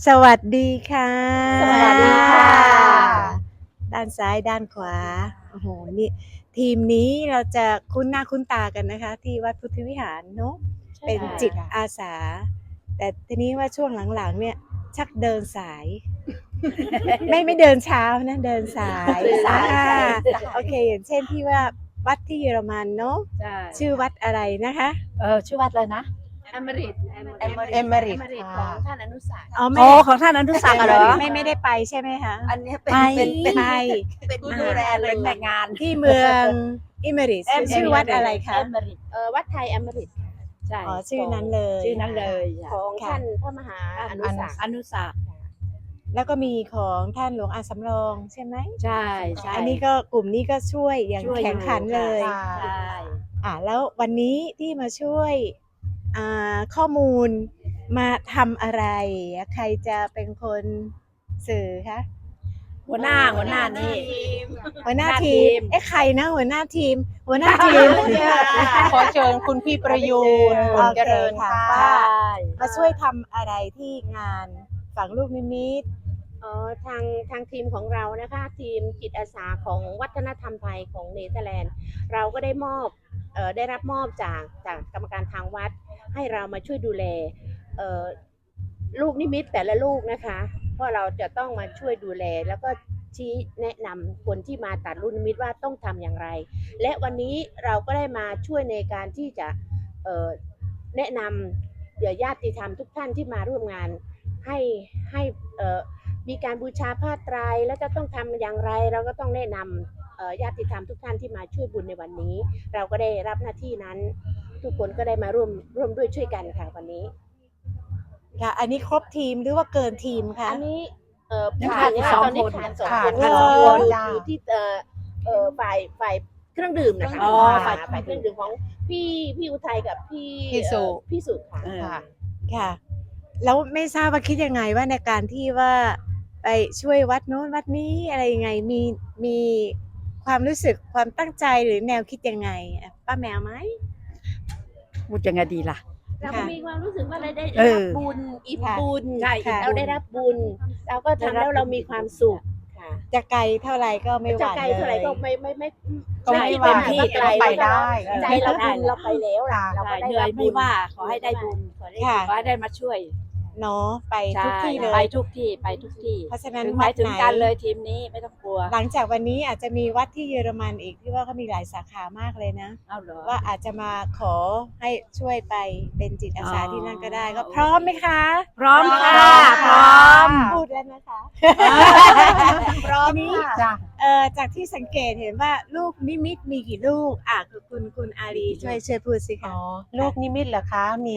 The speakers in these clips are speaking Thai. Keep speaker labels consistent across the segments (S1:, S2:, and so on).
S1: สวัสดีค่ะ
S2: สวัสดีค่ะ
S1: ด้านซ้ายด้านขวาโอ้โหนี่ทีมนี้เราจะคุ้นหน้าคุ้นตากันนะคะ ที่วัดพุทธวิหารเนาะเป็นจิตอาสา แต่ทีนี้ว่าช่วงหลังๆเนี่ยชักเดินสาย ไม่เดินเช้านะเดินสายโอเคอย่างเช่นที่ว่าวัดที่เยอรมันเนาะชื่อวัดอะไรนะคะ
S2: ชื่อวัดเลยนะ
S3: เอเมริตของท่านอนุสาสน์
S2: ของท่านอนุสาสน์เหรอ
S1: ไม่ได้ไปใช่ไหมคะ
S2: อันนี้
S1: เป็น
S2: ผู้ดูแลเป็นแม่งาน
S1: ที่เมืองอิเมริตชื่อวัดอะไรคะ
S3: วัดไทยเอเมริต
S2: ใช่
S1: ชื่อนั้นเลย
S3: ของท่านพระมหาอนุสาสน์
S1: แล้วก็มีของท่านหลวงอาสำรองใช่ไหม
S2: ใช่
S1: อันนี้ก็กลุ่มนี้ก็ช่วยอย่างแข็งขันเลย
S2: ใช่
S1: แล้ววันนี้ที่มาช่วยข้อมูลมาทำอะไรใครจะเป็นคนสื่อคะ
S2: หัวหน้านี่
S1: หัวหน้าทีมใครนะหัวหน้าทีม
S4: ขอเชิญคุณพี่ประยูนเจริญค่ะ
S1: มาช่วยทำอะไรที่งานฝังลูกนิมิต
S3: ทางทีมของเรานะคะทีมจิตอาสาของวัฒนธรรมไทยของเนเธอร์แลนด์เราก็ได้รับมอบจากกรรมการทางวัดให้เรามาช่วยดูแลลูกนิมิตแต่ละลูกนะคะเพราะเราจะต้องมาช่วยดูแลแล้วก็ชี้แนะนำคนที่มาตัดลูกนิมิตว่าต้องทำอย่างไรและวันนี้เราก็ได้มาช่วยในการที่จะแนะนำญาติธรรมทุกท่านที่มาร่วมงานให้มีการบูชาผ้าไตรแล้วจะต้องทำอย่างไรเราก็ต้องแนะนำญาติธรรมทุกท่านที่มาช่วยบุญในวันนี้เราก็ได้รับหน้าที่นั้นทุกคนก็ได้มาร่วมด้วยช่วยกันค่ะวันนี้
S1: ค่ะอันนี้ครบทีมหรือว่าเกินทีมคะ
S3: อันนี้ขาดตอนนี้ขาด2 คนอยู่ที่ฝ่ายเครื่องดื่มนะคะฝ่ายเครื่องดื่มของพี่อุทัยกับพี่สุ
S1: ค่ะแล้วไม่ทราบว่าคิดยังไงว่าในการที่ว่าไปช่วยวัดโน้นวัดนี้อะไรยังไงมีความรู้สึกความตั้งใจหรือแนวคิดยังไงป้าแมวไหม
S2: พูดยังไงดีล่ะ
S3: เราก็มีความรู้สึกว่าเราได้รับบุญอิ่มบุญเราได้รับบุญเราก็ทำแล้วเรามีความสุข
S1: จะไกลเท่าไรก็ไม่หวั่นเลยจะ
S3: ไกลเท่าไรก็ไม่
S2: เต็มที่
S3: ก็ไปได้ใจเราบุญเราไปแล้วเราก็ได้รับบุญ
S2: ไม่ว่าขอให้ได้บุญขอให้ได้มาช่วย
S1: เนาะไปทุกที่เลย
S2: ไปทุกที่
S1: เพราะฉะนั้น
S2: ไปถึงกันเลยทีมนี้ไม่ต้องกลัว
S1: หลังจากวันนี้อาจจะมีวัดที่เยอรมันอีกที่ว่าเขามีหลายสาขามากเลยนะว่าอาจจะมาขอให้ช่วยไปเป็นจิตอาสาที่นั่นก็ได้ก็พร้อมไหมคะ
S2: พร้อมค่ะพร้อม
S1: พูดแล้วนะคะพร้อมนี้จากที่สังเกตเห็นว่าลูกนิมิตมีกี่ลูกคุณอารีช่วยพูดสิคะ
S4: ลูกนิมิตเหรอคะมี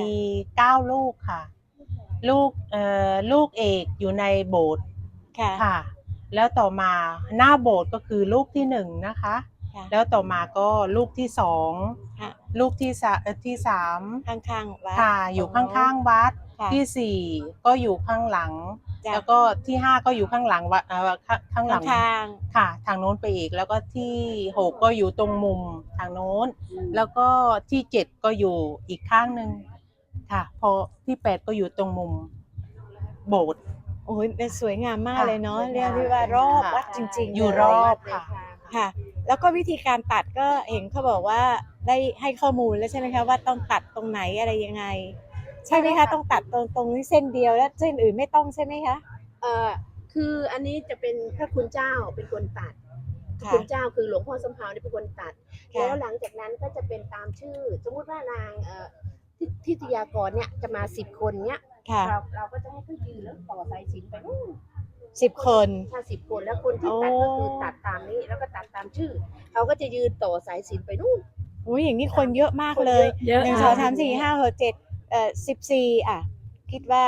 S4: 9 ลูกค่ะลูกเอกอยู่ในโบสถ์ค่ะแล้วต่อมาหน้าโบสถ์ก็คือลูกที่1นะคะแล้วต่อมาก็ลูกที่2ลูกที่3
S1: ข้างๆวัด
S4: ค่ะอยู่ข้างๆวัดที่4ก็อยู่ข้างหลังแล้วก็ที่5ก็อยู่ข้างหลังวัดข้างหลังค่ะทางโน้นไปอีกแล้วก็ที่6ก็อยู่ตรงมุมทางโน้นแล้วก็ที่7ก็อยู่อีกข้างนึงค่ะพอที่8ก็อยู่ตรงมุมโบสถ์
S1: โอ้ยสวยงามมากเลยเนาะเรียกว่ารอบวัดจริงๆ
S4: อยู่รอบ
S1: ค่ะแล้วก็วิธีการตัดก็เห็นเขาบอกว่าได้ให้ข้อมูลแล้วใช่ไหมคะว่าต้องตัดตรงไหนอะไรยังไงใช่ไหมคะต้องตัดตรงนี้เส้นเดียวแล้วเส้นอื่นไม่ต้องใช่ไหมคะ
S3: คืออันนี้จะเป็นพระคุณเจ้าเป็นคนตัดคุณเจ้าคือหลวงพ่อสมภารเป็นคนตัดแล้วหลังจากนั้นก็จะเป็นตามชื่อสมมุติว่านางทิตยากรเนี่ยจะมา10 คนเนี่ยเราก็จะให้เขายืนแล้วต่อสายสิญจน์ไปนู่น
S1: 10 คน
S3: ถ้า10 คนแล้วคนที่ตัดก็คือตัดตามนี้แล้วก็ตัดตามชื่อเขาก็จะยืนต่อสายสิญจน์ไปนู่น
S1: อุ้ยอย่างนี้คนเยอะมากเลย1 2 3 4 5 6 7 14คิดว่า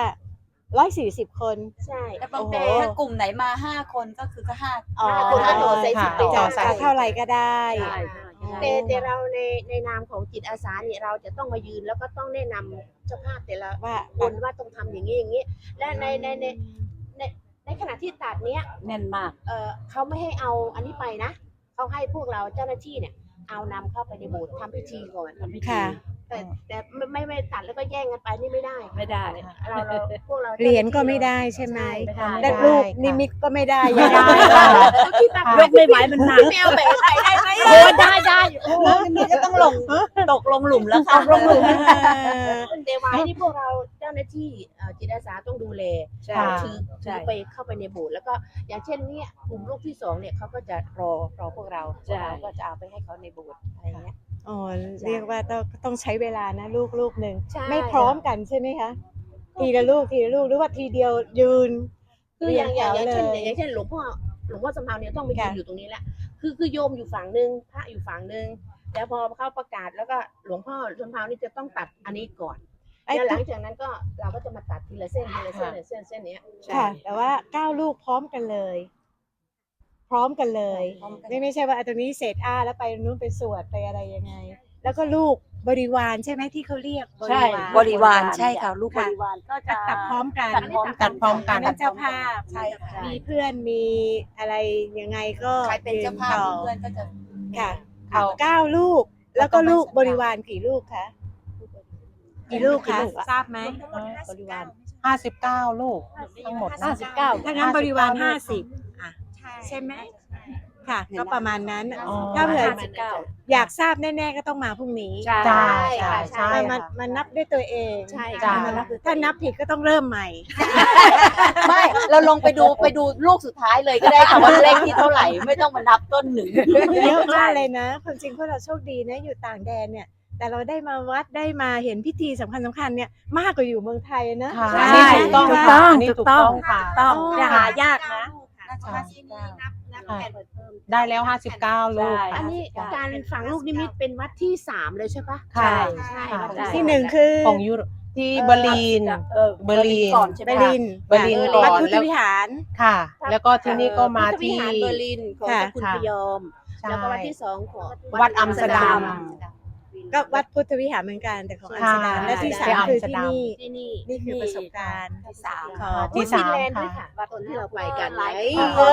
S1: 140 คน
S3: ใช่
S2: แต่บางทีถ้ากลุ่มไหนมา5 คนก็คือก็
S3: 5 คนก็ต่อสายสิญจน์ไป
S1: เท่าไหร่ก็ได้
S3: แต่เราในนามของจิตอาสาเนี่ยเราจะต้องมายืนแล้วก็ต้องแนะนำเจ้าภาพแต่ละคนว่าต้องทำอย่างนี้และในขณะที่ตัดเนี้ย
S2: แน่นมาก
S3: เขาไม่ให้เอาอันนี้ไปนะเขาให้พวกเราเจ้าหน้าที่เนี่ยเอานำเข้าไปในโบสถ์ทำพิธีก่อน
S1: ค่ะ
S3: แต่ไม่ตัดแล้วก็แย่งกันไปนี่ไม่ได้
S2: ไม่ได้
S3: เราพวกเรา
S1: เหรียญก็ไม่ได้ใช่ไหม
S3: ไม่ได้
S1: และลูกนิมิตก็ไม่ได้
S4: ไม่ได้
S3: ที่ตัด
S2: ยกไม่ไหวมันหนัก
S3: แมวแบบไหนได้ไหม
S2: โอ้ได้โอ้นี่ก็ต้องตกลงหลุมแล้วค่ะ
S1: ลงหลุม
S3: เดวายที่พวกเราเจ้าหน้าที่จิตอาสาต้องดูแล
S2: ใช่
S3: ถือไปเข้าไปในโบสถ์แล้วก็อย่างเช่นเนี่ยกลุ่มลูกที่สองเนี่ยเขาก็จะรอพวกเรา
S2: ใช่
S3: ก็จะเอาไปให้เขาในโบสถ์อะไรเงี้ย
S1: อ๋อเรียกว่าต้องใช้เวลานะลูกหนึ่ง
S3: ใช่
S1: ไม่พร้อมกันใช่ไหมคะทีละลูกหรือว่าทีเดียวยืน
S3: คืออย่าง
S1: เรียงแถว
S3: เช่นหลวงพ่อสำเภาเนี่ยต้องไปยืน
S1: ค่ะ
S3: อยู่ตรงนี้แหละคือโยมอยู่ฝั่งนึงพระอยู่ฝั่งนึงแล้วพอเขาประกาศแล้วก็หลวงพ่อสำเภานี่จะต้องตัดอันนี้ก่อน
S1: ไอ้
S3: แล้วหลังจากนั้นก็เราก็จะมาตัดทีละเส้นเส้นเนี้ย
S1: ค่ะ แต่ว่า9ลูกพร้อมกันเลย พร้อมกันเลย ไม่ใช่ว่าตรงนี้เสร็จแล้วไปนู้นไปสวดไปอะไรยังไง แล้วก็ลูกบริวารใช่ไหมที่เขาเรียก
S2: ใช่บริวารใช่ค่ะลูกบ
S1: ค่ะ
S2: ริวารก็
S1: ก็
S2: จะ
S1: ตัดพร้อมกัน
S2: ตัดพร้อม
S4: ตัดพร้อมกัน
S1: นั่นเจ้าภาพ
S2: ใช่ค่ะ
S1: มีเพื่อนมีอะไรยังไงก็
S2: ใครเป็นเจ้าภาพ
S1: ยืนต่อ
S2: เพื่อนก็จะ
S1: ค่ะ
S4: เอา
S1: 9ลูก แล้วก็ลูกบริวารกี่ลูกคะกี่ลูกคะทราบไหม
S2: บริวาร
S4: 59 ลูกทั้งหมดนะ
S2: 59
S1: ถ้างั้นบริวาร
S4: 59
S1: 50อ่ะใช่ไหมค่ะ ก็ประมาณนั้น
S4: อ๋อ
S1: ถ้าเผื่อ
S2: 59
S1: อยากทราบแน่ๆก็ต้องมาพรุ่งนี้
S2: ใช่
S4: ใช่
S3: ค่ะ
S4: ใช่
S1: มันนับด้วยตัวเอง
S3: ใช่
S4: จ้ะ
S1: ถ้านับผิดก็ต้องเริ่มใหม่
S2: ไม่เราลงไปดูลูกสุดท้ายเลยก็ได้ค่ะว่าเลขที่เท่าไหร่ไม่ต้องมานับต้นหนึ่ง
S1: เยอะมากเลยนะความจริงพวกเราโชคดีนะอยู่ต่างแดนเนี่ย แต่เราได้มาวัดได้มาเห็นพิธีสำคัญเนี่ยมากกว่าอยู่เมืองไทยนะ
S4: ค่ะ
S1: ใช่
S4: อันนี้ถูกต้อง
S1: ถูก
S4: ค่ะ
S1: ต้อง
S4: อันนี้ถูกต้องค่ะ
S1: ต้อง
S3: อ๋อ
S1: อย่าหายากนะ
S4: ได้แล้ว 59 ลูก
S3: อันนี้การฝังลูกนิมิตเป็นวัดที่ 3เลยใช่ปะ
S4: ค่ะ
S3: ใช่
S4: ค่ะ
S3: วัด
S1: ที่หนึ่งคือ
S4: ของยุโรปที่เบอร์ลิน เบอร์ลิน
S2: ก่อนใช่ไห
S1: เบ
S2: ม
S1: อร์ลิน
S4: เบอร์ลินก่อน
S1: วัดพุทธวิหาร
S4: ค่ะ แล้วก็ที่นี่ก็มา
S3: พุทธวิ
S4: ที่
S3: หารเบอร์ลินของ
S1: ค่ะ
S3: เจ้าคุณพยอม
S4: ใช่
S3: แล้วก็วัดที่ 2 ของ
S4: วัดอัมสเตอร์ดัม
S1: ก็วัดพุทธวิหารเหมือนกันแต่ของอัมสเตอร์ดัม
S4: ค่ะ
S1: และที่
S4: ที่
S1: 3 คือ
S4: อัมสเตอร์
S1: ที่
S4: ดัม
S1: นี่
S3: ที่นี่
S1: นี่คือประสบการณ์
S2: ที่สาม
S1: ของ
S4: ที่
S3: วัด
S4: สาม
S3: ฟินแลนด์ด้วย
S4: ค่ะ
S3: ค่ะตอนที่เราไปกัน
S2: หลาย
S3: ไง
S2: ปี
S3: โอ้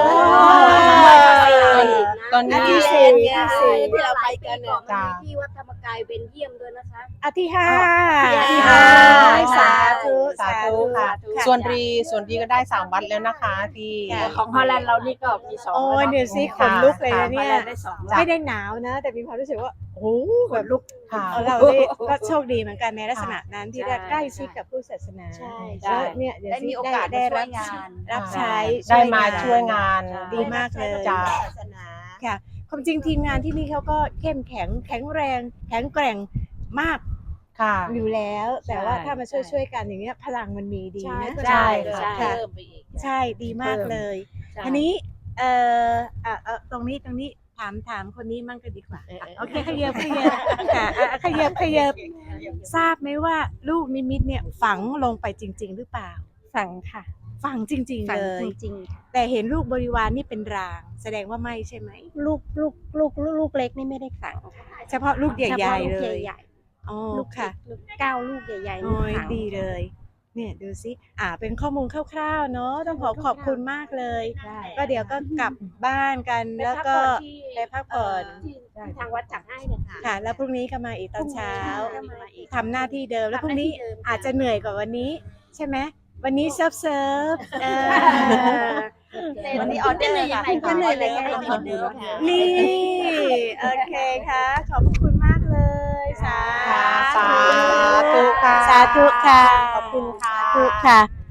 S4: ตอนนี้
S1: ที่สี่
S3: ที่เราไปกันเนี่ย
S4: จ้ะ
S3: ที่วัดธรรมกายเบนเยียมด้วยนะคะ
S1: อาที่ห้า
S3: ที่ห้า
S1: สาธุ
S4: สาธุค่ะ ส่วนรีก็ได้ 3 วัดแล้วนะคะที่
S2: ของฮอลแลนด์เรานี่ก็มี2
S1: โอ้ยเดี๋ยวซิขนลุกเลยนะ
S2: ฮอ
S1: เนี่
S2: ลแล
S1: ย
S2: นด์ได้2
S4: จ้ะ
S1: ไม่ได้หนาวนะ แต่มีความรู้สึกว่าโอ้โหแบบลุก
S4: ค่ะ
S1: เราได้ก็โชคดีเหมือนกันในลักษณะนั้นที่ได้ใกล้ชิดกับผู้ศาสนา
S3: ใช่
S1: แล้วเนี่ยเดี๋ยว
S2: ได้
S1: ซิ
S2: มีโอกาส
S1: ได้
S2: ได้
S1: รั
S2: รับบ งาน
S1: รับใช้
S4: ได้มาช่วยงาน
S1: ดีมากเลย
S4: จ้ะ
S3: ศาสนา
S1: ค่ะความจริงทีมงานที่นี่เขาก็เข้มแข็งแข็งแรงแข็งแกร่งมาก
S4: ค่ะ
S1: อยู่แล้ว แต่ว่า
S2: ใช่
S1: ถ้ามาช่วยกันอย่างเงี้ยพลังมันมีดี
S3: ใช่
S1: นะ
S2: ใช่
S3: ใช่
S1: ค่ะ
S3: เพิ่มไปอีก
S1: ใช่ดีมากเลย อันนี้ตรงนี้ถามคนนี้มั่งก็ดีกว่าโอเคขยับค่ะขยับทราบไหมว่าลูกนิมิตเนี่ยฝังลงไปจริง ๆ หรือเปล่า
S5: ฝังค่ะ
S1: ฝังจริง ๆ
S5: ฝัง
S1: เลย
S5: จริง
S1: แต่เห็นลูกบริวารนี่เป็นราง แสดงว่าไม่ใช่ไหม
S5: ๆลูกเล็กนี่ไม่ได้ฝังค่ะ
S1: เฉพาะลูกให
S5: เฉ
S1: ญ่
S5: พาะ
S1: ๆ
S5: ลูก
S1: เลย
S5: ใหญ่
S1: อ๋อ
S5: ๆลูก
S1: ค่ะ
S5: ลูก9 ลูกใหญ่ๆนี่
S1: โอ้ย
S5: ฝัง
S1: ดีเลย เนี่ยดูสิเป็นข้อมูลคร่าวๆเนาะต้องขอบคุณมากเลย ก็เดี๋ยวก็กลับบ้านกันแล้วก็ ไปพักผ่อน
S3: ที่ทางวัดจัดให้เนี่ยค่ะ
S1: ค่ะ แล้วพรุ่งนี้ก็มาอีกตอนเช้า
S3: ก็มาอีก
S1: ทำหน้าที่เดิมแล้วพรุ่งนี้
S3: ทำหน้าที่เดิมค่ะ
S1: อาจจะเหนื่อยกว่าวันนี้ ใช่ไหมวันนี้เซิร์ฟ
S3: วันนี้ออเดอร์ยังไงก็เหนื่อยเลยก็ออเดอร์ค่ะ
S1: นี่โอเคค่ะ ขอบพระคุณมากเลยสา
S4: สาธุค่ะ
S1: สาธุค่ะ
S4: ขอบคุณค่ะ
S1: สาธุค่ะ